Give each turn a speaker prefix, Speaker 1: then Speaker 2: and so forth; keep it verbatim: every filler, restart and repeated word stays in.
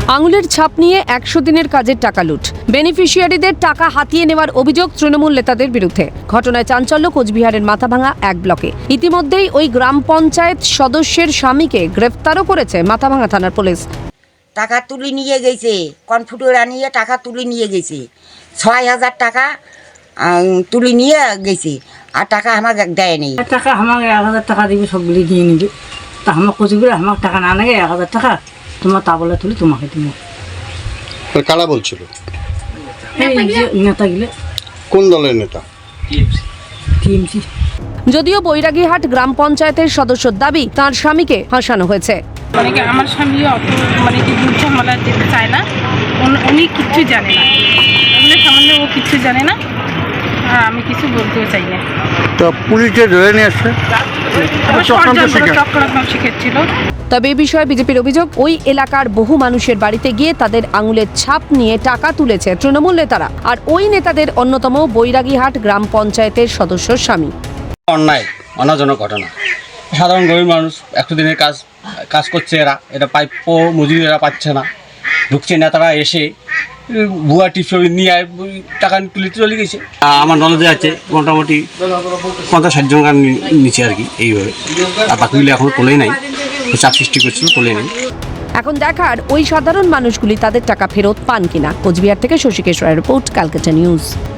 Speaker 1: আঙুলের ছাপ নিয়ে একশো দিনের কাজের টাকা লুট, বেনিফিশিয়ারিদের টাকা হাতিয়ে নেওয়ার অভিযোগ তৃণমূল নেতাদের বিরুদ্ধে। ঘটনায় চাঞ্চল্য কোচবিহারের মাথাভাঙা এক ব্লকে। ইতিমধ্যেই ওই গ্রাম পঞ্চায়েত সদস্যের স্বামীকে গ্রেফতারও করেছে মাথাভাঙা থানার পুলিশ।
Speaker 2: টাকা তুলে নিয়ে গেছে, কনফুটোরা নিয়ে টাকা তুলে নিয়ে গেছে, ছয় হাজার টাকা তুলে নিয়ে গেছে, আর টাকা আমাকে দেয়নি।
Speaker 3: টাকা আমাকে এক হাজার টাকা দিবে, সবগুলি দিয়ে নিবে। তা আমার কোচবিহারে আমার টাকা না লাগে এক হাজার টাকা তোমার তা বলে তুলি তোমাকে দিব।
Speaker 4: কারা বলছিল?
Speaker 3: নেতাগুলো।
Speaker 4: কোন দলের নেতা?
Speaker 3: টিএমসি।
Speaker 1: যদিও বৈরাগীহাট গ্রাম পঞ্চায়েতের সদস্যর দাবি তার স্বামীকে ফাঁসানো হয়েছে।
Speaker 5: মানে কি আমার স্বামী অত মানে কি দুধ ঝামেলা যেতে চায় না, উনি কিচ্ছু জানে না, এগুলো সামান্য ও কিচ্ছু জানে না, আর আমি কিছু বলতেও চাই না।
Speaker 4: তো পুলিশে ধরে নিয়ে আসছে,
Speaker 5: চক্রান্ত শিখেছিল।
Speaker 1: তবে এই বিষয়ে বিজেপির অভিযোগ, ওই এলাকার বহু মানুষের বাড়িতে গিয়ে তাদের আঙুলের ছাপ নিয়ে টাকা তুলেছে তৃণমূল নেতারা, আর ওই নেতাদের অন্যতম বৈরাগীহাট গ্রাম পঞ্চায়েতের সদস্যর স্বামী।
Speaker 6: অন্যায় অনাজনক ঘটনা। সাধারণ গরিব মানুষ একশো দিনের কাজ কাজ করছে, এরা এটা প্রাপ্য মজুরি এরা পাচ্ছে না, ঢুকছে নেতারা এসে ভুয়া টিপস নিয়ে টাকা তুলে চলে গেছে। আমার নলেজে আছে মোটামুটি পঞ্চাশ ষাট জন গান নিচে আর কি, এইভাবে। আর বাকিগুলো এখনো তোলেই নাই, চাপ সৃষ্টি করছিল, তোলে নেই।
Speaker 1: এখন দেখার ওই সাধারণ মানুষগুলি তাদের টাকা ফেরত পান কিনা। কোচবিহার থেকে শশীকেশ রায়ের রিপোর্ট, ক্যালকাটা নিউজ।